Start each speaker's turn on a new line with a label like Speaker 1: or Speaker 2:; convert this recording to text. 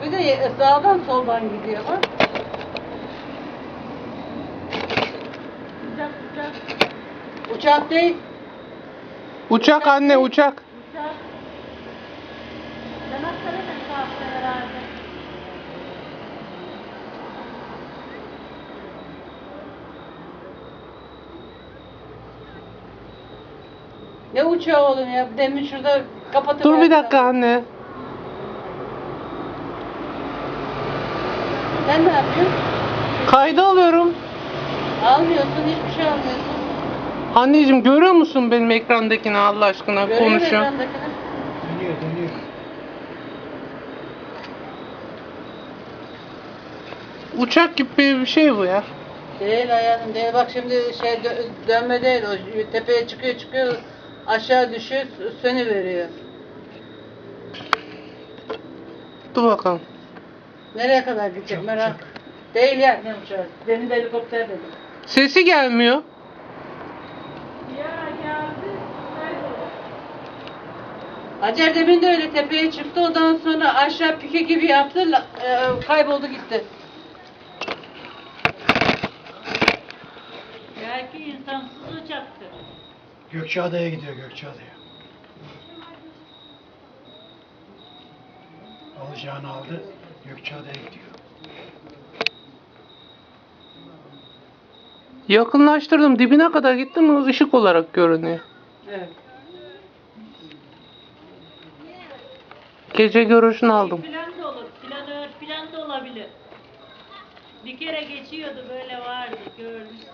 Speaker 1: Bir de sağdan soldan gidiyor bak.
Speaker 2: Uçak.
Speaker 1: Uçak değil.
Speaker 3: Uçak anne, uçak.
Speaker 2: Uçak. Yanaklarına kalktı herhalde.
Speaker 1: Ne uçağı oğlum ya? Demin şurada kapatıp...
Speaker 3: Dur bir dakika anne.
Speaker 1: Sen ne yapıyorsun?
Speaker 3: Kayda alıyorum.
Speaker 1: Almıyorsun, hiçbir şey almıyorsun.
Speaker 3: Anneciğim görüyor musun benim ekrandakini Allah aşkına
Speaker 1: Görüyor
Speaker 3: konuşuyor.
Speaker 1: ekrandakini.
Speaker 4: Dönüyor.
Speaker 3: Uçak gibi bir şey bu ya.
Speaker 1: Değil hayatım değil. Bak şimdi dönme değil o. Tepeye çıkıyor aşağı düşüyor sönüveriyor.
Speaker 3: Dur bakalım.
Speaker 1: Nereye kadar gidecek merak. Değil ya ne uçağı. Demin de helikopter dedim.
Speaker 3: Sesi gelmiyor.
Speaker 2: Ya geldi. Kayboldu.
Speaker 1: Hacer demin de öyle tepeye çıktı ondan sonra aşağı pike gibi yaptı kayboldu gitti.
Speaker 2: Belki insansız uçaktır.
Speaker 4: Gökçeada'ya gidiyor, Gökçeada'ya. Alacağını aldı, Gökçeada'ya gidiyor.
Speaker 3: Yakınlaştırdım, dibine kadar gitti mi ışık olarak görünüyor.
Speaker 1: Evet.
Speaker 3: Gece görüşünü aldım.
Speaker 2: Plan da olur. Planör plan da olabilir. Bir kere geçiyordu böyle vardı gördüm.